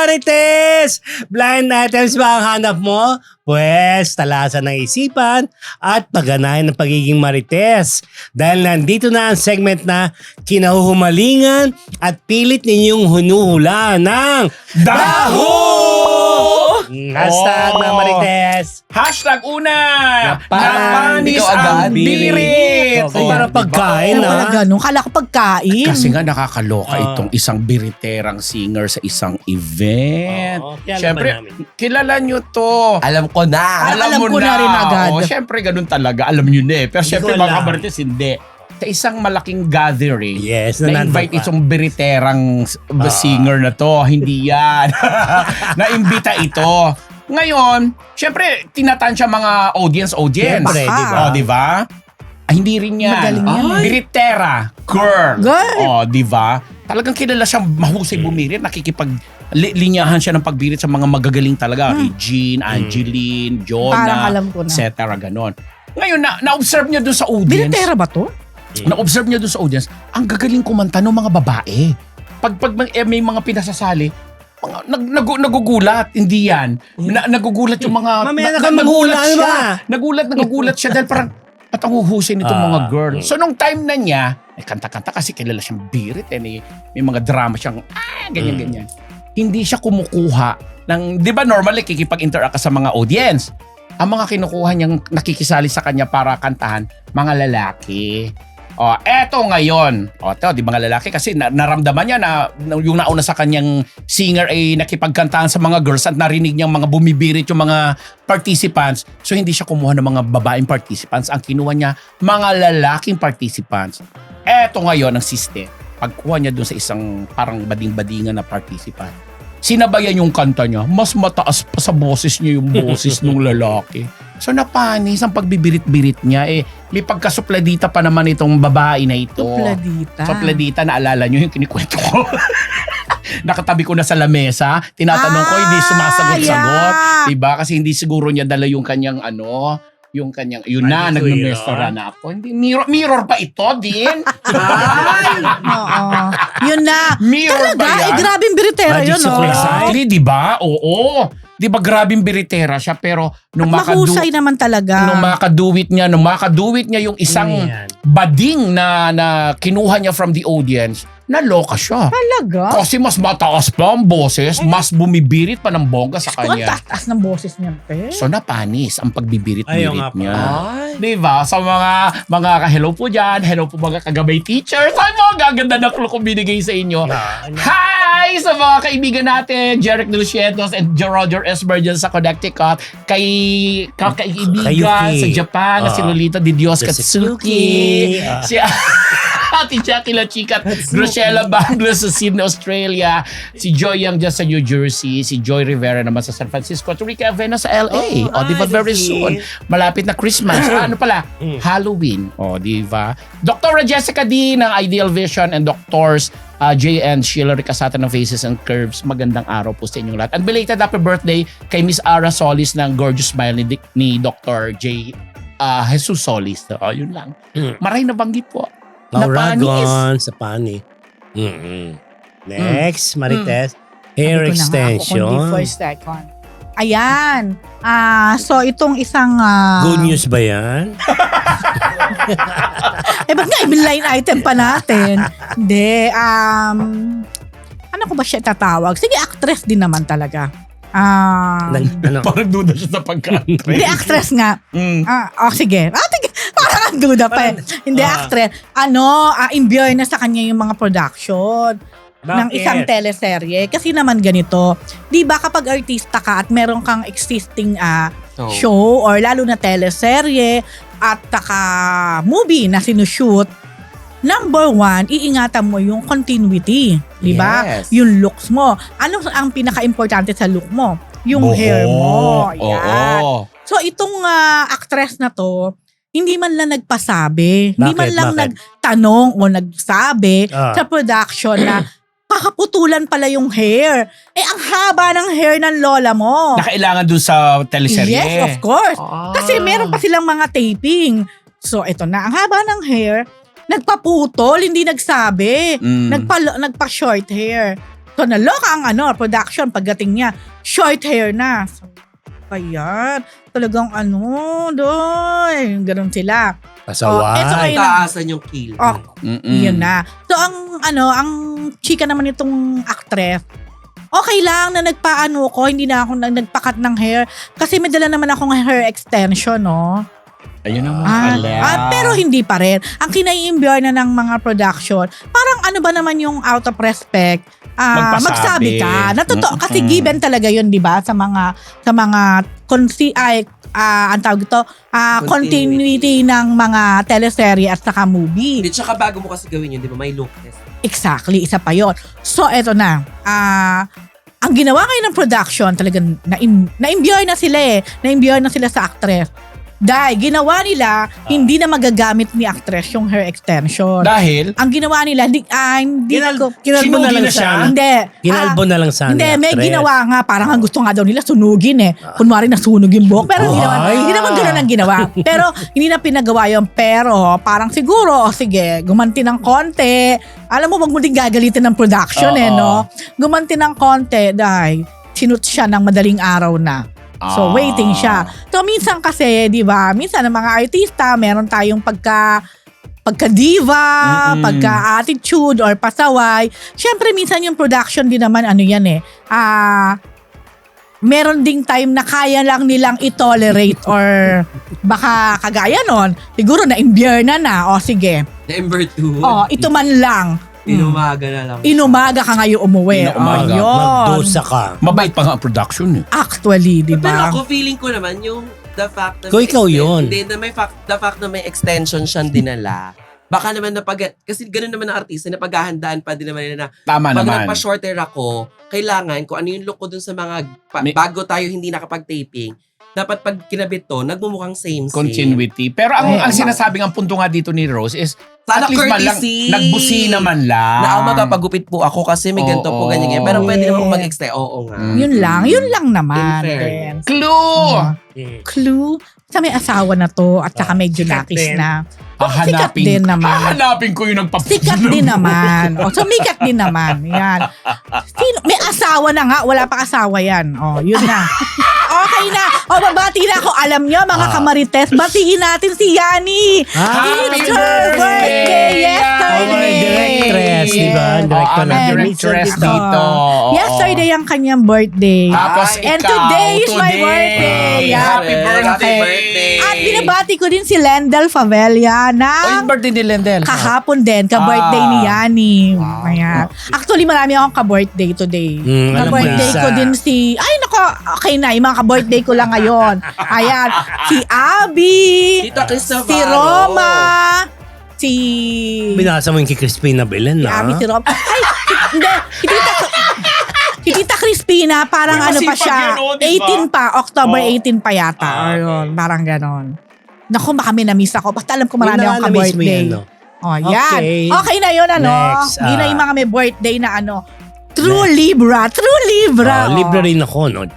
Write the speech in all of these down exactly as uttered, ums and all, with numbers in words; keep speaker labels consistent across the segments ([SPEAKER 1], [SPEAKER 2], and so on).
[SPEAKER 1] Marites! Blind items ba ang hanap mo? Pwes, talasan ng isipan at pagganahan ng pagiging Marites. Dahil nandito na ang segment na kinahuhumalingan at pilit ninyong hunuhula ng Daho! Hashtag
[SPEAKER 2] Oh.
[SPEAKER 1] mga Marites.
[SPEAKER 2] Hashtag una!
[SPEAKER 3] Napanis
[SPEAKER 2] Napanis
[SPEAKER 3] ang
[SPEAKER 2] ang
[SPEAKER 3] birit.
[SPEAKER 2] birit!
[SPEAKER 1] So, parang pagkain
[SPEAKER 4] Ano pala
[SPEAKER 1] na.
[SPEAKER 4] ganun? Kala ko pagkain.
[SPEAKER 2] Kasi nga nakakaloka
[SPEAKER 1] Ah.
[SPEAKER 2] itong isang biriterang singer sa isang event.
[SPEAKER 1] Oo, kilala
[SPEAKER 2] Siyempre,
[SPEAKER 1] ba namin?
[SPEAKER 2] kilala nyo to.
[SPEAKER 3] Alam ko na.
[SPEAKER 4] Alam ko na rin agad.
[SPEAKER 2] Oo, siyempre, ganun talaga. Alam nyo na eh. Pero
[SPEAKER 1] Hindi
[SPEAKER 2] siyempre,
[SPEAKER 1] ko
[SPEAKER 2] mga
[SPEAKER 1] alam.
[SPEAKER 2] kabarites, hindi. Sa isang malaking gathering,
[SPEAKER 1] Yes, na
[SPEAKER 2] na-invite
[SPEAKER 1] nandun ka.
[SPEAKER 2] itong biriterang s-
[SPEAKER 1] Ah.
[SPEAKER 2] singer na to. Hindi yan. Na-imbita ito. Ngayon, syempre, tinatansya mga audience-audience.
[SPEAKER 1] Siyempre,
[SPEAKER 4] Baka.
[SPEAKER 1] di ba?
[SPEAKER 2] Oh, di ba? Ah, hindi rin yan.
[SPEAKER 4] Magaling yan.
[SPEAKER 2] Ay. Biritera. Girl.
[SPEAKER 4] Girl.
[SPEAKER 2] Oh, di ba? Talagang kilala siyang mahusay bumirit. Nakikipag li- linyahan siya ng pagbirit sa mga magagaling talaga. Regine, Angeline,
[SPEAKER 4] Hmm. Parang
[SPEAKER 2] Jonah,
[SPEAKER 4] alam ko na.
[SPEAKER 2] et cetera. Ganon. Ngayon, na, na-observe niya doon sa audience.
[SPEAKER 4] Binitera ba to?
[SPEAKER 2] Na-observe niya doon sa audience, ang gagaling kumanta ng mga babae. Pag, pag may, eh, may mga pinasasali, mga, nag, nag, nagugulat. Hindi yan. Na, nagugulat yung mga...
[SPEAKER 1] Mamaya na
[SPEAKER 2] na-
[SPEAKER 1] ka
[SPEAKER 2] nagulat
[SPEAKER 1] maghula, ano
[SPEAKER 2] siya.
[SPEAKER 1] ba?
[SPEAKER 2] Nagulat, nagugulat siya dahil parang at ang huhusay nitong
[SPEAKER 1] Ah.
[SPEAKER 2] mga girl. So nung time na niya, ay kanta-kanta kasi kilala siyang birit eh. May, may mga drama siyang ah, ganyan-ganyan. Hindi siya kumukuha ng... Di ba normally kikipag-interact ka sa mga audience? Ang mga kinukuha niyang nakikisali sa kanya para kantahan, mga lalaki. O, eto ngayon. O, ito, di mga lalaki kasi na, naramdaman niya na, na yung nauna sa kanyang singer ay nakipagkantahan sa mga girls at narinig niyang mga bumibirit yung mga participants. So, hindi siya kumuha ng mga babaeng participants. Ang kinuha niya, mga lalaking participants. Eto ngayon ang system. Pagkuha niya dun sa isang parang bading-badingan na participant, sinabayan yung kanta niya, mas mataas pa sa boses niya yung boses ng lalaki. So napanis ang pagbibirit-birit niya. Eh, may pagkasupladita pa naman itong babae na ito.
[SPEAKER 4] Supladita.
[SPEAKER 2] Supladita, naalala niyo yung kinikwento ko. Nakatabi ko na sa lamesa, tinatanong ko, hindi sumasagot-sagot.
[SPEAKER 4] Ah,
[SPEAKER 2] Diba? Kasi hindi siguro niya dala yung kanyang ano, yung kanyang, yun na,
[SPEAKER 1] Ay,
[SPEAKER 2] nagmamestora na ako. Hindi, mirror, mirror pa ito din. Ay!
[SPEAKER 4] Oo. Yun na.
[SPEAKER 2] Mirror
[SPEAKER 4] Talaga,
[SPEAKER 2] ba yan?
[SPEAKER 4] eh, grabing biritera
[SPEAKER 1] Magic
[SPEAKER 4] yun, oh.
[SPEAKER 1] surprise.
[SPEAKER 2] Exactly, di ba? Oo. Di ba grabing biritera siya pero nung
[SPEAKER 4] At
[SPEAKER 2] makadu
[SPEAKER 4] mahusay naman talaga.
[SPEAKER 2] nung makaduwit niya, nung makaduwit niya yung isang
[SPEAKER 1] Yan.
[SPEAKER 2] bading na na kinuha niya from the audience, naloka siya.
[SPEAKER 4] Talaga?
[SPEAKER 2] Kasi mas mataas pa ang boses, mas bumibirit pa ng bongga sa
[SPEAKER 4] Kung ang
[SPEAKER 2] kanya.
[SPEAKER 4] taas ng boses niya, pe.
[SPEAKER 2] So napanis ang
[SPEAKER 1] Ayaw
[SPEAKER 2] pagbibirit-birit
[SPEAKER 1] nga pa.
[SPEAKER 2] niya.
[SPEAKER 3] Ay.
[SPEAKER 2] Di ba? Sa mga mga hello po dyan, hello po mga kagabay teachers. Ay mo, gaganda na clue kung binigay sa inyo.
[SPEAKER 1] Ah, ano?
[SPEAKER 2] Hi sa mga kaibigan natin, Jeric Dulcietos and Roger Esmer dyan sa Connecticut. Kay ka, kaibigan
[SPEAKER 1] Kayuki.
[SPEAKER 2] sa Japan na si
[SPEAKER 1] Ah.
[SPEAKER 2] Lolita Di Dios
[SPEAKER 1] Katsuki.
[SPEAKER 2] Katsuki.
[SPEAKER 1] Ah.
[SPEAKER 2] Si Ate Jackie La Chica at Rochella Banglos sa Sydney, Australia. Si Joy Young dyan sa New Jersey. Si Joy Rivera naman sa San Francisco. At Rica Avena sa L A.
[SPEAKER 1] Oh,
[SPEAKER 2] o, di ba
[SPEAKER 1] ah,
[SPEAKER 2] very
[SPEAKER 1] that's
[SPEAKER 2] soon?
[SPEAKER 1] it.
[SPEAKER 2] Malapit na Christmas. Ah, ano pala?
[SPEAKER 1] Mm.
[SPEAKER 2] Halloween. O, di ba? Doctor Jessica D ng Ideal Vision and Doctors uh, J and Sheila Ricasata ng Faces and Curves. Magandang araw po sa inyong lahat. And belated happy birthday kay Miss Ara Solis ng Gorgeous Smile ni, Dic- ni Doctor J. Uh, Jesus Solis. O, yun lang.
[SPEAKER 1] Mm.
[SPEAKER 2] Maray na banggit po.
[SPEAKER 1] Nauragon sa pani. Mm-hmm. Next, Marites. Hair
[SPEAKER 4] Sabi ko na nga ako,
[SPEAKER 1] extension.
[SPEAKER 4] kundi for second. Ayan. Ah, so itong isang ah,
[SPEAKER 1] Good news ba yan?
[SPEAKER 4] Eh ba't nga i-line item pa natin? Hindi. Um, ano ko ba siya tatawag? Sige, actress din naman talaga. Ah,
[SPEAKER 1] Nag, ano?
[SPEAKER 2] Parang duda siya sa pagka-actress.
[SPEAKER 4] hindi, actress nga.
[SPEAKER 2] Mm.
[SPEAKER 4] Ah, oh, sige. Ah, sige. Parang ang duda pa eh. Hindi,
[SPEAKER 1] Ah.
[SPEAKER 4] actress. Ano, ah, in-bear na sa kanya yung mga production ng
[SPEAKER 1] Bakit?
[SPEAKER 4] isang teleserye. Kasi naman ganito, di ba kapag artista ka at meron kang existing ah,
[SPEAKER 3] Oh.
[SPEAKER 4] show or lalo na teleserye at taka movie na sinushoot, number one, iingatan mo yung continuity. Di ba?
[SPEAKER 3] Yes.
[SPEAKER 4] Yung looks mo. Ano ang pinaka-importante sa look mo? Yung hair mo. Yan.
[SPEAKER 2] Oo.
[SPEAKER 4] So itong ah, actress na to, hindi man lang nagpasabi, hindi
[SPEAKER 1] Bakit?
[SPEAKER 4] man lang
[SPEAKER 1] Bakit?
[SPEAKER 4] nagtanong o nagsabi
[SPEAKER 1] Ah.
[SPEAKER 4] sa production na kakaputulan pala yung hair. Eh, ang haba ng hair ng lola mo.
[SPEAKER 2] Nakailangan dun sa teleserye.
[SPEAKER 4] Yes, of course.
[SPEAKER 2] Ah.
[SPEAKER 4] Kasi meron pa silang mga taping. So, ito na. Ang haba ng hair, nagpaputol, hindi nagsabi.
[SPEAKER 2] Mm.
[SPEAKER 4] Nagpa, nagpa-short hair. So naloka ang ano, production pagdating niya. Short hair na. So, kaya talagang ano, doy. Ganun sila.
[SPEAKER 1] Pasaway.
[SPEAKER 4] eto kayo na.
[SPEAKER 3] Taasan yung kill.
[SPEAKER 4] Oh,
[SPEAKER 2] Mm-mm.
[SPEAKER 4] yun na. So ang ano, ang chika naman itong actress, okay lang na nagpaano ko, hindi na ako nag- nagpakat ng hair. Kasi may dala naman akong hair extension, no?
[SPEAKER 2] Ayun naman
[SPEAKER 4] Ah,
[SPEAKER 2] pala.
[SPEAKER 4] ah, pero hindi pa rin. Ang kinai-imbure na ng mga production, parang ano ba naman yung out of respect, ah,
[SPEAKER 2] Magpasabi.
[SPEAKER 4] magsabi ka. Natotoo,
[SPEAKER 2] Mm-mm.
[SPEAKER 4] kasi given talaga yun, di ba? Sa mga, sa mga, consi- ay, ah, ang tawag ito, ah, continuity.
[SPEAKER 3] Continuity.
[SPEAKER 4] ng mga teleserye at saka movie.
[SPEAKER 3] Hindi, tsaka bago mo kasi gawin yun, di ba? May look test.
[SPEAKER 4] Exactly, isa pa yon. So, eto na. Ah, ang ginawa ngayon ng production, talagang na-im- na-imbure na sila eh. Na-imbure na sila sa actress. Dahil ginawa nila, hindi na magagamit ni actress yung hair extension.
[SPEAKER 2] Dahil,
[SPEAKER 4] Ang ginawa nila, hindi, ah, hindi
[SPEAKER 1] Kinal-
[SPEAKER 4] ko,
[SPEAKER 1] kinalbo na
[SPEAKER 2] Sinugi
[SPEAKER 1] lang
[SPEAKER 2] na siya?
[SPEAKER 1] sana.
[SPEAKER 4] hindi.
[SPEAKER 1] Kinalbo
[SPEAKER 4] Ah,
[SPEAKER 1] na lang sana.
[SPEAKER 4] hindi, may
[SPEAKER 1] actress.
[SPEAKER 4] ginawa nga. Parang ang gusto nga daw nila sunugin eh. Kunwari nasunog yung buhok. Pero hindi naman,
[SPEAKER 1] Ay.
[SPEAKER 4] hindi naman gano'n ang ginawa. Pero hindi na pinagawa yun. Pero parang siguro, oh, sige, gumanti ng konti. Alam mo, wag mo din gagalitin ng production eh,
[SPEAKER 2] Oo.
[SPEAKER 4] no? Gumanti ng konti dahil sinut siya ng madaling araw na. So,
[SPEAKER 2] Ah.
[SPEAKER 4] waiting siya. So, minsan kasi, di ba, minsan ng mga artista, meron tayong pagka pagka-diva,
[SPEAKER 2] Mm-mm.
[SPEAKER 4] pagka-attitude, or pasaway. Siyempre, minsan yung production din naman, ano yan eh, ah, meron ding time na kaya lang nilang i-tolerate or baka kagaya nun, siguro na-imbure na na, o sige,
[SPEAKER 3] Number two,
[SPEAKER 4] o ito man lang,
[SPEAKER 3] inumaga na lang.
[SPEAKER 4] inumaga ka ngayon umuwi.
[SPEAKER 2] Inumaga.
[SPEAKER 4] O, yun.
[SPEAKER 1] Magdusa ka.
[SPEAKER 2] mabait pa nga ang production eh.
[SPEAKER 4] Actually, di
[SPEAKER 3] Pero
[SPEAKER 4] ba?
[SPEAKER 3] ako, feeling ko naman yung the fact na...
[SPEAKER 1] Kung
[SPEAKER 3] may
[SPEAKER 1] ikaw
[SPEAKER 3] exten-
[SPEAKER 1] yun.
[SPEAKER 3] Hindi, na may fact, the fact na may extension siyang dinala. Baka naman na pag... Kasi ganoon naman ang artista na paghahandaan pa din naman nila na
[SPEAKER 2] Tama
[SPEAKER 3] pag
[SPEAKER 2] naman.
[SPEAKER 3] nagpa-shorter ako, kailangan kung ano yung look ko dun sa mga... pa-
[SPEAKER 2] May-
[SPEAKER 3] bago tayo hindi nakapag-taping, dapat pag kinabit to, nagmumukhang same-same.
[SPEAKER 2] Continuity. Pero ang,
[SPEAKER 4] Eh,
[SPEAKER 2] ang
[SPEAKER 4] ano?
[SPEAKER 2] sinasabing ang punto nga dito ni Rose is
[SPEAKER 3] Sana
[SPEAKER 2] at least man lang,
[SPEAKER 3] courtesy.
[SPEAKER 2] nagbusi naman lang.
[SPEAKER 3] Na ako magpapagupit po ako kasi may ganito
[SPEAKER 2] Oo.
[SPEAKER 3] po, ganyan, ganyan. Pero pwede naman
[SPEAKER 4] Yeah.
[SPEAKER 3] mag-extend. Oo nga.
[SPEAKER 2] Mm.
[SPEAKER 4] Yun lang, yun lang naman.
[SPEAKER 3] In fairness.
[SPEAKER 4] Then,
[SPEAKER 2] Clue!
[SPEAKER 4] ah, clue sa may asawa na to at saka medyo
[SPEAKER 1] sikat
[SPEAKER 4] nakis
[SPEAKER 1] din.
[SPEAKER 4] na. Oh, sikat
[SPEAKER 2] Hahanapin,
[SPEAKER 4] din naman.
[SPEAKER 2] hahanapin ko yung nagpap...
[SPEAKER 4] Sikat din naman. O, sumikat din naman. Yan. Sino, may asawa na nga. Wala pa asawa yan. O, yun na. Okay na. O, babati na ako. Alam nyo, mga
[SPEAKER 1] Ah.
[SPEAKER 4] kamarites, batiin natin si Yani.
[SPEAKER 1] Ah,
[SPEAKER 4] It's her birthday yesterday.
[SPEAKER 1] Oh, my directress, di ba? Ang
[SPEAKER 2] Oo,
[SPEAKER 1] director
[SPEAKER 2] ang
[SPEAKER 1] natin.
[SPEAKER 2] directress
[SPEAKER 1] Minsan
[SPEAKER 2] dito. Oo.
[SPEAKER 4] Yesterday ang kanyang birthday.
[SPEAKER 2] Tapos
[SPEAKER 3] Ay,
[SPEAKER 4] and
[SPEAKER 2] ikaw,
[SPEAKER 4] today is my
[SPEAKER 2] today.
[SPEAKER 4] birthday.
[SPEAKER 2] Happy
[SPEAKER 3] Happy
[SPEAKER 2] birthday.
[SPEAKER 3] birthday.
[SPEAKER 4] At binabati ko din si Lendel Favela
[SPEAKER 2] Oh,
[SPEAKER 4] ng
[SPEAKER 2] yung birthday ni Lendel.
[SPEAKER 4] kahapon din, ka-birthday
[SPEAKER 2] Ah.
[SPEAKER 4] ni Yani.
[SPEAKER 2] Wow.
[SPEAKER 4] Ayan. Actually, marami akong ka-birthday today.
[SPEAKER 1] Mm, alam mo
[SPEAKER 4] Ka-birthday
[SPEAKER 1] isa.
[SPEAKER 4] ko din si... Ay, nako, okay na. Yung mga ka-birthday ko lang ngayon. Ayan. Si Abby.
[SPEAKER 3] Tita Cristovaro.
[SPEAKER 4] Si Roma. Si...
[SPEAKER 1] Binasa mo yung kay Crispina Belen,
[SPEAKER 4] Si
[SPEAKER 1] na?
[SPEAKER 4] Abby, si Roma. Ay, hindi. Si Tita... Si Tita Crispina, parang
[SPEAKER 2] May
[SPEAKER 4] ano pa
[SPEAKER 2] masipag
[SPEAKER 4] siya,
[SPEAKER 2] yan, oh, di ba?
[SPEAKER 4] eighteen pa, October
[SPEAKER 2] Oh.
[SPEAKER 4] eighteen pa yata.
[SPEAKER 2] Ah,
[SPEAKER 4] Ayun, parang ganon. Naku, baka may na-miss ako. Basta alam ko marami
[SPEAKER 1] Yung
[SPEAKER 4] akong
[SPEAKER 1] na-miss mo
[SPEAKER 4] ka-birthday.
[SPEAKER 1] yan, no?
[SPEAKER 4] Oh, yan.
[SPEAKER 1] Okay.
[SPEAKER 4] Okay na yun, ano?
[SPEAKER 1] Next,
[SPEAKER 4] Yun na
[SPEAKER 1] ah.
[SPEAKER 4] yung mga may birthday na ano. True Libra. True Libra.
[SPEAKER 1] Oh,
[SPEAKER 4] oh.
[SPEAKER 1] libre rin ako, no?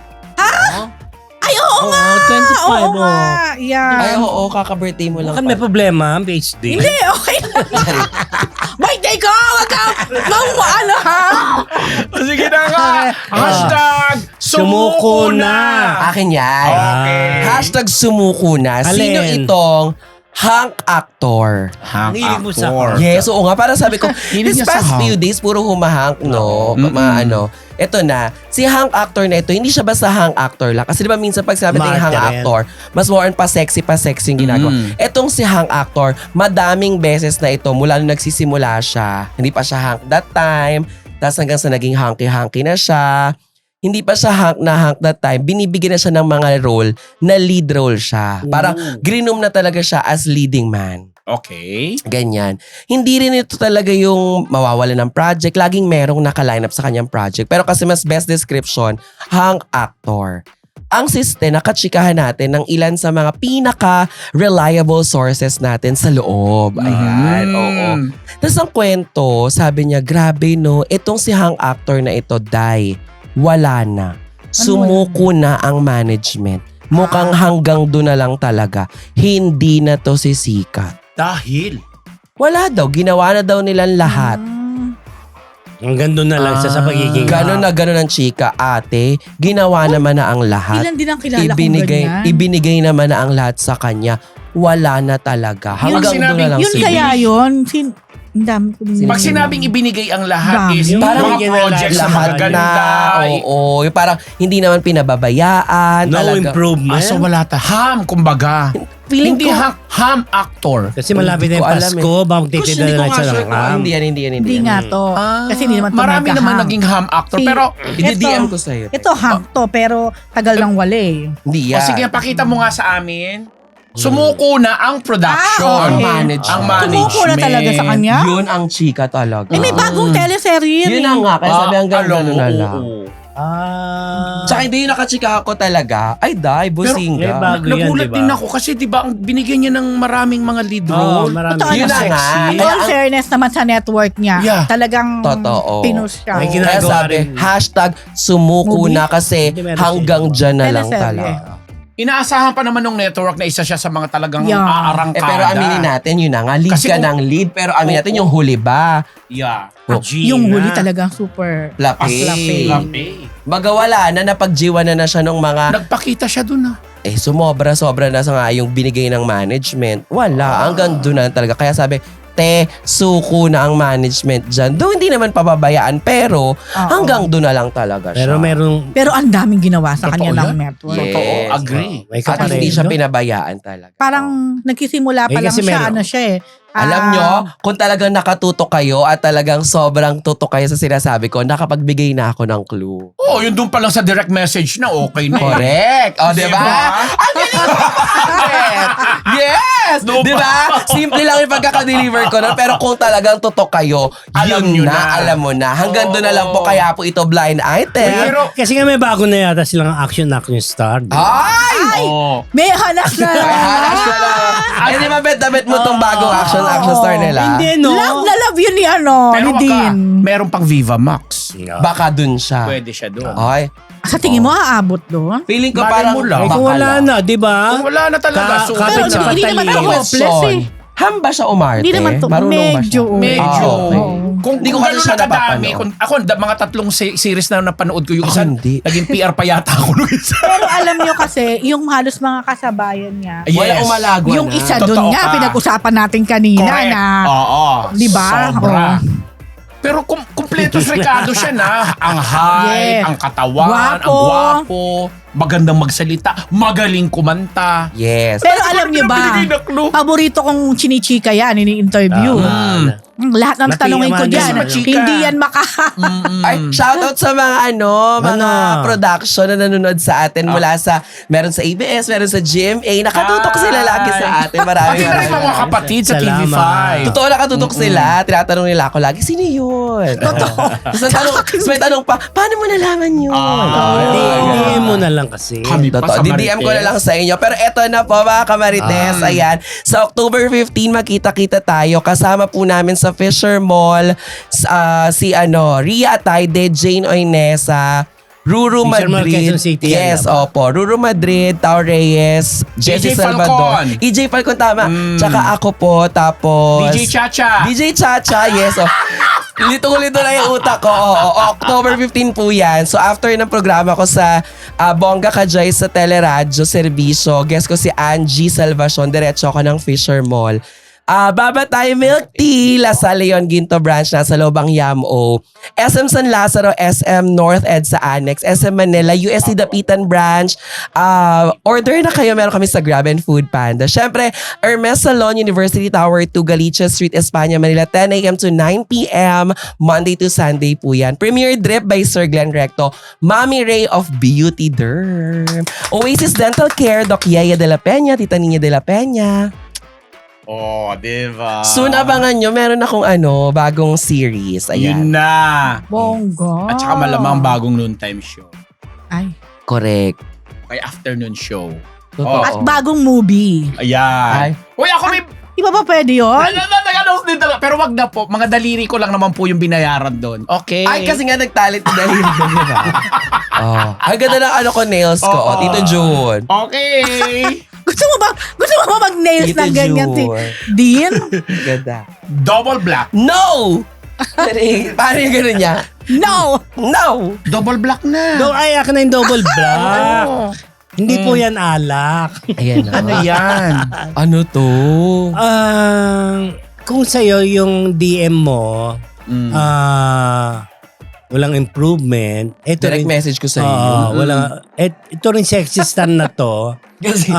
[SPEAKER 4] Ay, oo
[SPEAKER 1] Oo,
[SPEAKER 4] nga.
[SPEAKER 1] twenty-five,
[SPEAKER 4] Oo nga. Yan.
[SPEAKER 3] Ay, oo, kaka-birthday mo lang.
[SPEAKER 1] Bakit may
[SPEAKER 3] pa.
[SPEAKER 1] problema, P H D?
[SPEAKER 4] Hindi, okay lang. Birthday ko! Wag ka! Mang ano, ha?
[SPEAKER 2] Sige na nga. Hashtag
[SPEAKER 1] Sumuko na.
[SPEAKER 3] Akin yan.
[SPEAKER 2] Okay.
[SPEAKER 3] Hashtag sumuko na. Sino
[SPEAKER 1] Alin?
[SPEAKER 3] itong hunk actor?
[SPEAKER 2] Hang
[SPEAKER 1] Hilig mo sa
[SPEAKER 2] actor.
[SPEAKER 1] hunk.
[SPEAKER 3] Yes, oo nga. Para sabi ko,
[SPEAKER 2] Hilig
[SPEAKER 3] this
[SPEAKER 2] niya sa
[SPEAKER 3] past
[SPEAKER 2] hunk.
[SPEAKER 3] few days, puro humahunk, no?
[SPEAKER 2] Mm-mm.
[SPEAKER 3] Mga ano. Ito na, si hunk actor na ito, hindi siya basta hunk actor lang. Kasi di ba minsan pag sabi natin hunk
[SPEAKER 1] Martyr yan.
[SPEAKER 3] actor, mas more on pa sexy, pa sexy yung ginagawa.
[SPEAKER 2] Mm.
[SPEAKER 3] Etong si hunk actor, madaming beses na ito, mula nung nagsisimula siya, hindi pa siya hunk that time, tapos hanggang sa naging hunky-hunky na siya, hindi pa siya hunk na hunk that time, binibigyan na siya ng mga role na lead role siya. Parang grinom na talaga siya as leading man.
[SPEAKER 2] Okay.
[SPEAKER 3] Ganyan. Hindi rin ito talaga yung mawawala ng project. Laging merong naka-line up sa kanyang project. Pero kasi mas best description, hunk actor. Ang siste, nakachikahan natin ng ilan sa mga pinaka-reliable sources natin sa loob. Ayan,
[SPEAKER 2] Mm.
[SPEAKER 3] oo. Tapos ang kwento, sabi niya, grabe no, itong si hunk actor na ito, Dai, wala na. Sumuko na ang management. Mukhang hanggang doon na lang talaga. Hindi na to sisikat.
[SPEAKER 2] Dahil.
[SPEAKER 3] Wala daw. Ginawa na daw nilang lahat.
[SPEAKER 4] Mm.
[SPEAKER 1] Hanggang doon na lang sa, sa pagiging...
[SPEAKER 3] Ganon na ganon ang chika, ate. Ginawa naman na ang lahat.
[SPEAKER 4] Ilan din ang kilala kong
[SPEAKER 3] Ibinigay,
[SPEAKER 4] ganyan.
[SPEAKER 3] ibinigay naman na ang lahat sa kanya. Wala na talaga.
[SPEAKER 4] Yun,
[SPEAKER 3] Hanggang doon na
[SPEAKER 2] sinabing-
[SPEAKER 3] lang
[SPEAKER 4] Yun
[SPEAKER 3] si
[SPEAKER 4] kaya yun. Sin ang dami ko din.
[SPEAKER 2] Pag sinabing ibinigay ang lahat
[SPEAKER 4] Dami.
[SPEAKER 2] is
[SPEAKER 1] Yung
[SPEAKER 2] parang mga
[SPEAKER 1] binigyan na
[SPEAKER 2] projects na
[SPEAKER 3] lahat
[SPEAKER 2] magaganda.
[SPEAKER 3] na.
[SPEAKER 2] ay-
[SPEAKER 3] Oo. Yung parang hindi naman pinababayaan.
[SPEAKER 1] No
[SPEAKER 3] talaga.
[SPEAKER 1] improvement.
[SPEAKER 2] Ah, so wala ta. Ham, kumbaga.
[SPEAKER 4] Feeling
[SPEAKER 2] Hindi
[SPEAKER 4] ko,
[SPEAKER 2] ham, ham actor.
[SPEAKER 1] Kasi malapit na
[SPEAKER 3] Hindi
[SPEAKER 1] yung
[SPEAKER 3] ko alam
[SPEAKER 1] Pasko, baka magtitida
[SPEAKER 3] Kasi
[SPEAKER 1] na
[SPEAKER 3] hindi ko
[SPEAKER 1] lang
[SPEAKER 3] nga
[SPEAKER 1] sa
[SPEAKER 3] sure
[SPEAKER 1] ng
[SPEAKER 3] kung-
[SPEAKER 1] ham.
[SPEAKER 3] Hindi yan, hindi yan, hindi
[SPEAKER 4] hindi
[SPEAKER 3] yan.
[SPEAKER 4] nga to. Kasi hindi naman to
[SPEAKER 2] Marami
[SPEAKER 4] nagka-ham.
[SPEAKER 2] naman naging ham actor.
[SPEAKER 4] Si-
[SPEAKER 2] pero,
[SPEAKER 3] I-D M
[SPEAKER 4] Ito-
[SPEAKER 3] ko sa'yo.
[SPEAKER 4] Ito ham to, pero tagal lang wala eh.
[SPEAKER 3] Hindi
[SPEAKER 2] o
[SPEAKER 3] yan.
[SPEAKER 2] sige, pakita mo nga sa amin. Sumuko na ang production.
[SPEAKER 4] Ah,
[SPEAKER 3] Ang
[SPEAKER 4] okay.
[SPEAKER 3] management.
[SPEAKER 2] Ang management.
[SPEAKER 4] Tumuko na talaga sa kanya?
[SPEAKER 3] Yun ang chika talaga.
[SPEAKER 4] Eh, may bagong teleserye
[SPEAKER 3] Yun
[SPEAKER 4] eh.
[SPEAKER 3] na nga. Kaya sabi hanggang
[SPEAKER 2] Ah,
[SPEAKER 3] gano'n na
[SPEAKER 2] oo,
[SPEAKER 3] lang.
[SPEAKER 2] oo.
[SPEAKER 1] Ah.
[SPEAKER 3] Tsaka hindi yung nakachika ako talaga. Ay, die,
[SPEAKER 1] Eh,
[SPEAKER 3] businga.
[SPEAKER 1] bago yan,
[SPEAKER 2] Nagulat
[SPEAKER 1] diba?
[SPEAKER 2] din ako kasi di ba ang binigyan niya ng maraming mga lead
[SPEAKER 1] Oo,
[SPEAKER 2] role.
[SPEAKER 1] marami.
[SPEAKER 4] Totoo
[SPEAKER 3] Yun
[SPEAKER 4] na
[SPEAKER 3] na nga.
[SPEAKER 4] In
[SPEAKER 3] Kaya
[SPEAKER 4] all
[SPEAKER 3] ang-
[SPEAKER 4] fairness naman sa network niya,
[SPEAKER 2] Yeah.
[SPEAKER 4] talagang
[SPEAKER 3] Totoo.
[SPEAKER 4] pinost siya.
[SPEAKER 1] May
[SPEAKER 3] Kaya
[SPEAKER 1] ginagawa
[SPEAKER 3] sabi,
[SPEAKER 1] rin.
[SPEAKER 3] hashtag sumuko
[SPEAKER 4] Movie?
[SPEAKER 3] na kasi
[SPEAKER 1] Hindi, meron
[SPEAKER 3] hanggang
[SPEAKER 1] siya.
[SPEAKER 3] dyan na lang
[SPEAKER 4] Teleserye.
[SPEAKER 3] talaga.
[SPEAKER 2] Inaasahan pa naman ng network na isa siya sa mga talagang
[SPEAKER 4] Yeah.
[SPEAKER 2] aarangkada.
[SPEAKER 3] Eh, pero aminin natin, yun na nga, lead
[SPEAKER 2] Kasi
[SPEAKER 3] ka
[SPEAKER 2] kung-
[SPEAKER 3] ng lead, pero aminin natin
[SPEAKER 2] Oo.
[SPEAKER 3] yung huli ba?
[SPEAKER 2] Yeah.
[SPEAKER 3] Oh,
[SPEAKER 4] Yung huli talagang super.
[SPEAKER 3] Lapi.
[SPEAKER 4] Lapi.
[SPEAKER 2] Lapi.
[SPEAKER 3] Baga wala na, napagjiwa na na siya nung mga,
[SPEAKER 2] Nagpakita siya dun ah.
[SPEAKER 3] eh sumobra-sobra na sa nga yung binigay ng management. Wala, hanggang doon na talaga. Kaya sabi, te, suko na ang management dyan. Doon hindi naman pababayaan, pero
[SPEAKER 4] Oo.
[SPEAKER 3] hanggang doon na lang talaga siya.
[SPEAKER 1] Pero merong...
[SPEAKER 4] Pero ang daming ginawa sa
[SPEAKER 2] Totoo
[SPEAKER 4] kanya ng
[SPEAKER 2] yan?
[SPEAKER 4] network.
[SPEAKER 3] Yes.
[SPEAKER 2] Totoo, agree.
[SPEAKER 1] Oh, may
[SPEAKER 3] At
[SPEAKER 1] kapareho.
[SPEAKER 3] hindi siya pinabayaan talaga.
[SPEAKER 4] Parang nagsisimula pa
[SPEAKER 1] Eh,
[SPEAKER 4] lang
[SPEAKER 1] kasi
[SPEAKER 4] siya,
[SPEAKER 1] meron-
[SPEAKER 4] ano siya eh.
[SPEAKER 3] Alam
[SPEAKER 4] ah,
[SPEAKER 3] nyo, kung talagang nakatutok kayo at talagang sobrang tutok kayo sa sinasabi ko, nakapagbigay na ako ng clue.
[SPEAKER 2] Oh, yun dun pa lang sa direct message na okay na. eh.
[SPEAKER 3] Correct. O, di ba?
[SPEAKER 2] Diba?
[SPEAKER 3] Ang galing mo! Yes!
[SPEAKER 2] No
[SPEAKER 3] Di ba? Simple lang yung pagkakadeliver ko nun. Pero kung talagang tutok kayo,
[SPEAKER 2] Alam
[SPEAKER 3] yun
[SPEAKER 2] nyo
[SPEAKER 3] na,
[SPEAKER 2] na.
[SPEAKER 3] alam mo na. Hanggang doon na lang po,
[SPEAKER 2] Oo.
[SPEAKER 3] kaya po ito blind item.
[SPEAKER 2] Pero-
[SPEAKER 1] Kasi nga may bago na yata silang action action star. di ba?
[SPEAKER 3] Ay!
[SPEAKER 2] Oh.
[SPEAKER 4] May halas na.
[SPEAKER 3] Ay, halas na lang. Ay, di ba bet na bet mo tong bagong action action star nila?
[SPEAKER 1] Hindi, no?
[SPEAKER 4] Love na love yun ni ano,
[SPEAKER 2] Pero
[SPEAKER 4] ni
[SPEAKER 2] waka,
[SPEAKER 4] Dean.
[SPEAKER 2] meron pang Viva Max.
[SPEAKER 3] Baka dun siya.
[SPEAKER 2] Pwede siya doon.
[SPEAKER 3] Ay,
[SPEAKER 4] Sa tingin mo, aabot doon?
[SPEAKER 3] feeling ko
[SPEAKER 2] Malay
[SPEAKER 3] parang
[SPEAKER 2] mo lang.
[SPEAKER 1] Eh,
[SPEAKER 3] baka
[SPEAKER 1] kung wala
[SPEAKER 3] lang.
[SPEAKER 1] na, di ba?
[SPEAKER 2] Kung wala na talaga.
[SPEAKER 1] Ka-
[SPEAKER 2] so,
[SPEAKER 1] kapit
[SPEAKER 4] Pero
[SPEAKER 1] sa
[SPEAKER 4] hindi naman to
[SPEAKER 1] talino.
[SPEAKER 4] hopeless eh.
[SPEAKER 3] Ham ba siya umarte?
[SPEAKER 4] Hindi naman to.
[SPEAKER 3] Marunong ba
[SPEAKER 4] Medyo.
[SPEAKER 3] siya?
[SPEAKER 2] medyo.
[SPEAKER 3] Ah, okay.
[SPEAKER 2] Kung,
[SPEAKER 3] Hindi ko
[SPEAKER 2] kung
[SPEAKER 3] kasi
[SPEAKER 2] gano'n
[SPEAKER 3] siya
[SPEAKER 2] nakadami,
[SPEAKER 3] napapanood.
[SPEAKER 2] kung, ako, da- mga tatlong se- series na napanood ko yung
[SPEAKER 3] Ako
[SPEAKER 2] isa,
[SPEAKER 3] hindi.
[SPEAKER 2] naging P R pa yata ako nung isa.
[SPEAKER 4] Pero alam nyo kasi, yung halos mga kasabayan niya,
[SPEAKER 3] Wala
[SPEAKER 2] Yes.
[SPEAKER 3] umalagwa
[SPEAKER 4] yung
[SPEAKER 3] na.
[SPEAKER 4] isa
[SPEAKER 2] Totoo
[SPEAKER 4] doon nga,
[SPEAKER 2] ka.
[SPEAKER 4] pinag-usapan natin kanina
[SPEAKER 2] Correct.
[SPEAKER 4] na,
[SPEAKER 2] Oo.
[SPEAKER 4] Di ba?
[SPEAKER 2] Sobra.
[SPEAKER 4] Oo.
[SPEAKER 2] Pero kum kumpletos Ricardo siya na. Ang height,
[SPEAKER 4] Yes.
[SPEAKER 2] ang katawan, ang
[SPEAKER 4] Gwapo.
[SPEAKER 2] gwapo, magandang magsalita, magaling kumanta.
[SPEAKER 3] Yes.
[SPEAKER 4] pero alam nyo ba,
[SPEAKER 2] Binigay na clue.
[SPEAKER 4] paborito kong chinichika yan, ini-interview.
[SPEAKER 1] Ah,
[SPEAKER 4] Mm, Lahat ng
[SPEAKER 1] Mati
[SPEAKER 4] tanongin ko
[SPEAKER 1] naman
[SPEAKER 4] dyan,
[SPEAKER 1] yan,
[SPEAKER 2] ano.
[SPEAKER 4] hindi yan maka...
[SPEAKER 2] Mm-mm.
[SPEAKER 3] Ay, shoutout sa mga ano, mga
[SPEAKER 1] Ano?
[SPEAKER 3] production na nanonood sa atin mula sa, meron sa A B S, meron sa G M A. Nakatutok
[SPEAKER 2] Ay.
[SPEAKER 3] sila lagi sa atin. Maraming
[SPEAKER 2] Pati na rin
[SPEAKER 3] maraming
[SPEAKER 2] mga kapatid sa T V
[SPEAKER 1] Salamat.
[SPEAKER 2] five.
[SPEAKER 3] Totoo, nakatutok sila. Tinatanong nila ako lagi, sino yun? Totoo. Tapos ang tanong, tapos may tanong pa, paano mo nalaman yun?
[SPEAKER 2] Ah,
[SPEAKER 1] Hindi,
[SPEAKER 2] Ay,
[SPEAKER 1] hindi
[SPEAKER 2] ay.
[SPEAKER 1] mo na lang kasi.
[SPEAKER 2] Kami pa
[SPEAKER 3] Totoo.
[SPEAKER 2] sa
[SPEAKER 3] D M ko na lang sa inyo. Pero eto na po mga kamarites. Ayan. Sa October fifteenth, makita-kita tayo. Kasama po namin sa Fisher Mall s- ah, si ano, Ria Ataide, Jane Oinesa, Ruru
[SPEAKER 1] Fisher Mall,
[SPEAKER 3] Madrid.
[SPEAKER 1] Quezon City yan,
[SPEAKER 3] Yes,
[SPEAKER 1] diba?
[SPEAKER 3] opo. Ruru Madrid, Tao Reyes, Jesse
[SPEAKER 2] E J
[SPEAKER 3] Salvador.
[SPEAKER 2] Falcon.
[SPEAKER 3] E J Falcon, tama.
[SPEAKER 2] Mm.
[SPEAKER 3] Tsaka ako po, tapos...
[SPEAKER 2] D J Chacha.
[SPEAKER 3] D J Chacha, yes. Oh. Litong-lito na yung utak ko. Oo, oo. October fifteenth po yan. So after ng programa ko sa ah, Bongga Kajoy sa Teleradyo Servisyo, guest ko si Angie Salvacion, diretso ako ng Fisher Mall. Ah, Baba tayo Milk Tea, La Salle Leon Ginto Branch, nasa Lobang Yam-O. S M San Lazaro, S M North Ed sa Annex, S M Manila, U S C Dapitan Branch. Ah, order na kayo, meron kami sa Grab and Food Panda. Syempre, Hermes Salon, University Tower two, Galicia Street, Espanya, Manila, ten a.m. to nine p.m. Monday to Sunday po yan. Premier Drip by Sir Glenn Recto. Mommy Ray of Beauty Derm. Oasis Dental Care, Doc Yaya de la Peña, Tita Nina de la Peña.
[SPEAKER 2] Oh, diba?
[SPEAKER 3] Soon abangan nyo, meron akong ano, bagong series. Ayan.
[SPEAKER 2] Yun na.
[SPEAKER 4] Bongga.
[SPEAKER 2] At saka malamang bagong noontime show.
[SPEAKER 4] Ay.
[SPEAKER 3] Correct.
[SPEAKER 2] Kay afternoon show.
[SPEAKER 3] Totoo.
[SPEAKER 4] At bagong movie.
[SPEAKER 2] Ayan.
[SPEAKER 3] Ay.
[SPEAKER 2] Uy, ako may...
[SPEAKER 4] Di ba ba pwede yun?
[SPEAKER 2] Ay, nag-announce din talaga. Pero wag na po. Mga daliri ko lang naman po yung binayaran doon. Okay.
[SPEAKER 3] Ay, kasi nga nagtalit na dahil doon, di ba? Oh. Ang ganda ng ano ko, nails ko.
[SPEAKER 2] Oo.
[SPEAKER 3] Oh, Tito June.
[SPEAKER 2] Okay.
[SPEAKER 4] Gusto mo ba, gusto mo ba mag-nails
[SPEAKER 3] Tito
[SPEAKER 4] ng ganyan si
[SPEAKER 3] June.
[SPEAKER 4] Dean?
[SPEAKER 3] Ganda.
[SPEAKER 2] Double black.
[SPEAKER 3] No! Paano yung gano'n niya?
[SPEAKER 4] No!
[SPEAKER 3] No!
[SPEAKER 2] Double black na.
[SPEAKER 1] Do, ay, akin na yung double black.
[SPEAKER 2] Oo.
[SPEAKER 1] Hindi po yan alak.
[SPEAKER 3] Ayan na.
[SPEAKER 2] Ano yan?
[SPEAKER 3] Ano to?
[SPEAKER 1] Ah, kung sa'yo yung D M mo,
[SPEAKER 2] Mm.
[SPEAKER 1] ah, walang improvement. Ito
[SPEAKER 3] Direct
[SPEAKER 1] rin,
[SPEAKER 3] message ko sa
[SPEAKER 1] Oo,
[SPEAKER 3] iyo.
[SPEAKER 1] wala, et, ito rin sexy star na to.
[SPEAKER 3] Kasi,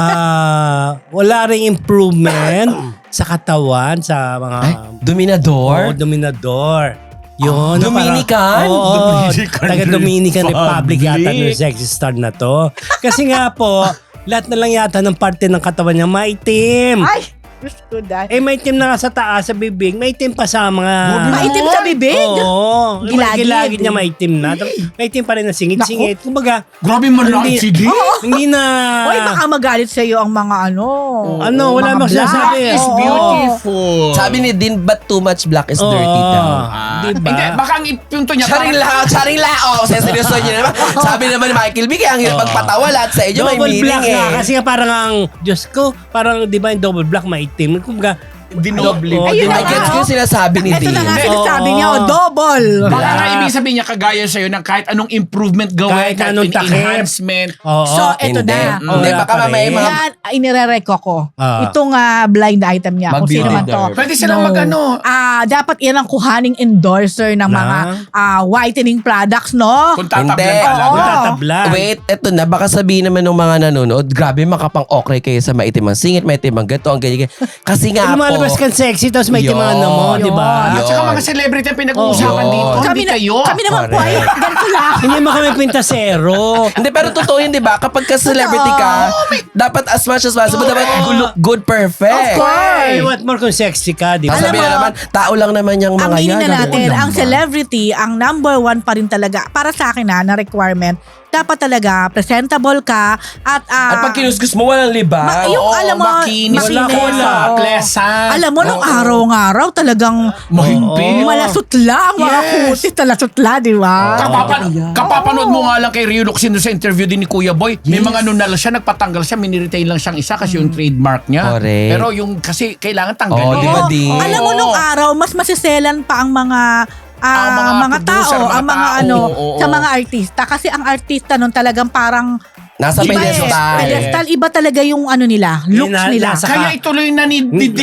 [SPEAKER 1] Ah, wala ring improvement sa katawan, sa mga
[SPEAKER 3] ay, Dominador?
[SPEAKER 1] Oo, dominador. Yun. na
[SPEAKER 3] Dominican?
[SPEAKER 1] parang- Oo,
[SPEAKER 2] Dominican
[SPEAKER 1] taga Dominican Republic
[SPEAKER 2] Republic.
[SPEAKER 1] yata ng sexy star na to. Kasi nga po, lahat na lang yata ng parte ng katawan niya maitim.
[SPEAKER 4] Ay! Diyos ko, dahil.
[SPEAKER 1] Eh, maitim na nga sa taas, sa bibig. Maitim pa sa mga...
[SPEAKER 4] Maitim sa bibig?
[SPEAKER 1] Oo.
[SPEAKER 4] Gilagid.
[SPEAKER 1] Gilagid niya maitim na. Maitim pa rin na singit-singit. Kumbaga,
[SPEAKER 2] Grabe man lang.
[SPEAKER 1] Hindi.
[SPEAKER 2] Sige.
[SPEAKER 1] hindi na...
[SPEAKER 4] Oy, baka magalit sa iyo ang mga ano.
[SPEAKER 1] Ano, wala
[SPEAKER 4] mga
[SPEAKER 1] namang
[SPEAKER 4] black.
[SPEAKER 1] sinasabi.
[SPEAKER 2] Black is
[SPEAKER 1] Oo.
[SPEAKER 2] beautiful.
[SPEAKER 3] sabi ni Din, but too much black is dirty
[SPEAKER 1] Oo.
[SPEAKER 3] daw.
[SPEAKER 2] Ah,
[SPEAKER 1] Diba?
[SPEAKER 2] Hindi, baka ang punto niya.
[SPEAKER 3] Charing lao, charing lao. Sa seryoso niyo naman. Sabi naman ni Michael B, kaya ang hirap
[SPEAKER 1] Oo.
[SPEAKER 3] magpatawa lahat sa inyo, may
[SPEAKER 1] Double
[SPEAKER 3] meaning
[SPEAKER 1] black
[SPEAKER 3] eh.
[SPEAKER 1] nga. Kasi nga parang ang, Diyos ko, parang di ba yung double black maitim. Kumbaga,
[SPEAKER 2] Dinoble.
[SPEAKER 1] Oo,
[SPEAKER 4] Ayun
[SPEAKER 3] I
[SPEAKER 4] na
[SPEAKER 1] diba?
[SPEAKER 4] nga.
[SPEAKER 3] get ko yung sinasabi ni
[SPEAKER 4] Ito
[SPEAKER 3] Din.
[SPEAKER 4] na nga
[SPEAKER 1] Oo.
[SPEAKER 4] sinasabi niya, oh, double.
[SPEAKER 2] Baka nga
[SPEAKER 1] Black.
[SPEAKER 2] ibig sabihin niya kagaya sa'yo ng kahit anong improvement gawin,
[SPEAKER 1] Kahit
[SPEAKER 2] kahit,
[SPEAKER 1] anong
[SPEAKER 2] anong
[SPEAKER 1] takip.
[SPEAKER 2] enhancement.
[SPEAKER 1] Oo.
[SPEAKER 4] So, eto
[SPEAKER 3] Hindi.
[SPEAKER 4] na.
[SPEAKER 3] Hindi,
[SPEAKER 1] Wala
[SPEAKER 3] baka
[SPEAKER 1] pa
[SPEAKER 3] mamaya
[SPEAKER 1] rin.
[SPEAKER 3] mga...
[SPEAKER 4] Yan, inirereko ko.
[SPEAKER 1] Ah.
[SPEAKER 4] Itong ah, blind item niya. Kung sino man to.
[SPEAKER 3] Mag-beauty
[SPEAKER 2] Pwede silang
[SPEAKER 4] No.
[SPEAKER 2] mag-ano.
[SPEAKER 4] Ah, dapat yan ang kuhaning endorser ng
[SPEAKER 1] Na?
[SPEAKER 4] mga ah, whitening products, no?
[SPEAKER 2] Kung tatablan
[SPEAKER 3] Hindi.
[SPEAKER 2] ka lang.
[SPEAKER 4] Oo.
[SPEAKER 1] Tatablan.
[SPEAKER 3] Wait, eto na. Baka sabihin naman ng mga nanonood, grabe makapang-okray kayo sa maitim ang singit, maitim ang gato, ang ganyan. Kasi nga po...
[SPEAKER 1] Lumalabas kang sexy, tapos may
[SPEAKER 3] Yun.
[SPEAKER 1] timangan na mo, di ba?
[SPEAKER 2] At saka
[SPEAKER 3] Yun.
[SPEAKER 2] mga celebrity ang pinag-uusapan
[SPEAKER 3] Oo.
[SPEAKER 2] dito.
[SPEAKER 4] kami,
[SPEAKER 2] Hindi
[SPEAKER 4] na,
[SPEAKER 2] kayo.
[SPEAKER 4] kami naman po ay
[SPEAKER 3] Correct.
[SPEAKER 4] ganito lang.
[SPEAKER 1] Hindi mo kami pintasero.
[SPEAKER 3] Hindi, pero totoo yun, di ba? Kapag ka-celebrity ka, dapat as much as possible, dapat you look good, perfect.
[SPEAKER 4] Of course.
[SPEAKER 1] Ay, what more kung sexy ka, di ba?
[SPEAKER 3] Ang
[SPEAKER 4] Alam
[SPEAKER 3] sabihin
[SPEAKER 4] mo,
[SPEAKER 3] na naman, tao lang naman yung
[SPEAKER 4] Ang
[SPEAKER 3] mga yan.
[SPEAKER 4] meaning na
[SPEAKER 3] Ano
[SPEAKER 4] natin,
[SPEAKER 3] naman?
[SPEAKER 4] ang celebrity, ang number one pa rin talaga, para sa akin na, na requirement, dapat talaga presentable ka at ah,
[SPEAKER 3] At pag kinuskus mo, walang liba.
[SPEAKER 4] Ma- yung
[SPEAKER 2] Oo,
[SPEAKER 4] alam mo,
[SPEAKER 2] makinis,
[SPEAKER 4] makinis,
[SPEAKER 2] wala,
[SPEAKER 4] oo.
[SPEAKER 2] pleasant.
[SPEAKER 4] alam mo, nung
[SPEAKER 3] Oo.
[SPEAKER 4] araw-araw talagang
[SPEAKER 2] Mahigpit.
[SPEAKER 4] malasutla ang mga
[SPEAKER 2] Yes.
[SPEAKER 4] kutis, talasutla, di ba?
[SPEAKER 2] Kapapan kapapanood mo nga lang kay Rio Luxino sa interview din ni Kuya Boy. May mga ano na lang siya, nagpatanggal siya, miniretain lang siyang isa kasi yung trademark niya.
[SPEAKER 3] Correct.
[SPEAKER 2] Pero yung kasi kailangan
[SPEAKER 3] Oh,
[SPEAKER 2] tanggalin.
[SPEAKER 3] di ba
[SPEAKER 4] Oo.
[SPEAKER 3] di?
[SPEAKER 4] Alam mo, nung araw, mas masiselan pa ang mga ah,
[SPEAKER 2] Ang mga
[SPEAKER 4] mga,
[SPEAKER 2] producer,
[SPEAKER 4] tao,
[SPEAKER 2] mga
[SPEAKER 4] ang mga
[SPEAKER 2] tao,
[SPEAKER 4] ano,
[SPEAKER 2] oo,
[SPEAKER 4] sa
[SPEAKER 2] oo.
[SPEAKER 4] mga artista. Kasi ang artista nun talagang parang
[SPEAKER 3] Nasa
[SPEAKER 4] iba eh.
[SPEAKER 3] pedestal.
[SPEAKER 4] Pedestal, iba talaga yung ano nila, looks
[SPEAKER 1] Ina-
[SPEAKER 4] nila.
[SPEAKER 1] nasa-
[SPEAKER 2] Kaya ituloy na ni Didi.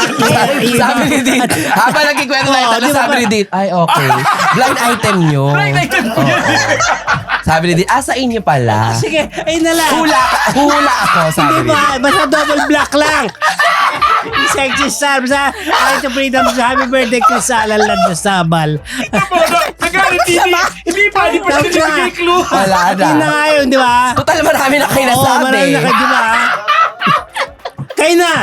[SPEAKER 3] Sabi ni Dit, habang nagkikwento na ito,
[SPEAKER 1] Oo, di ba
[SPEAKER 3] sabi ni Dit, ay okay, blind item nyo.
[SPEAKER 2] Blind item
[SPEAKER 3] Oo. Sabi ni Dit, ah sa inyo pala.
[SPEAKER 1] Sige, ayun na lang.
[SPEAKER 3] Hula, ka- hula ako, sabi
[SPEAKER 1] Hindi
[SPEAKER 3] ni Dit.
[SPEAKER 1] ba? Basta double black lang. Sexy star. Basta, ay, to freedom sa happy birthday ko sa alalad na sabal.
[SPEAKER 2] Nagalit Didi. Hindi pa, hindi pa siya
[SPEAKER 1] Tama.
[SPEAKER 2] nabigay clue.
[SPEAKER 3] Wala na.
[SPEAKER 1] Yun na nga yun, di ba?
[SPEAKER 3] Total marami na kayo
[SPEAKER 1] Oo,
[SPEAKER 3] nasabi.
[SPEAKER 1] marami na kayo, di ba? Kayo na.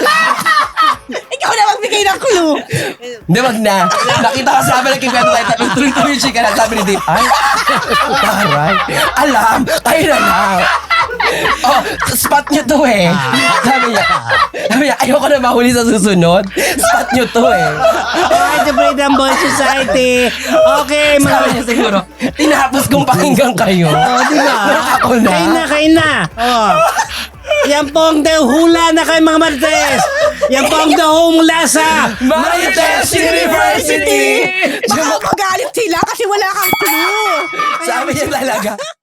[SPEAKER 4] Ikaw na magbigay ng clue.
[SPEAKER 3] Hindi, wag na. Nakita ko sabi nagkikwento tayo, tapos tuloy-tuloy yung chika na sabi ni Dit, ay, taray. Alam, kayo na lang. Oh, spot nyo to eh. Sabi niya, sabi niya, ayoko na mahuli sa susunod. Spot nyo to eh.
[SPEAKER 1] Ay, to freedom boy society. Okay,
[SPEAKER 3] Sabi
[SPEAKER 1] mga...
[SPEAKER 3] niya siguro, tinapos kong pakinggan kayo.
[SPEAKER 1] Oh, di ba?
[SPEAKER 3] Ako na.
[SPEAKER 1] Kayo na, kayo na. Oh. Yan po ang daw hula na kayo mga Marites. Yan po ang daw mula sa
[SPEAKER 3] Marites University!
[SPEAKER 4] Baka magalit sila kasi wala kang clue.
[SPEAKER 3] Sabi niya talaga,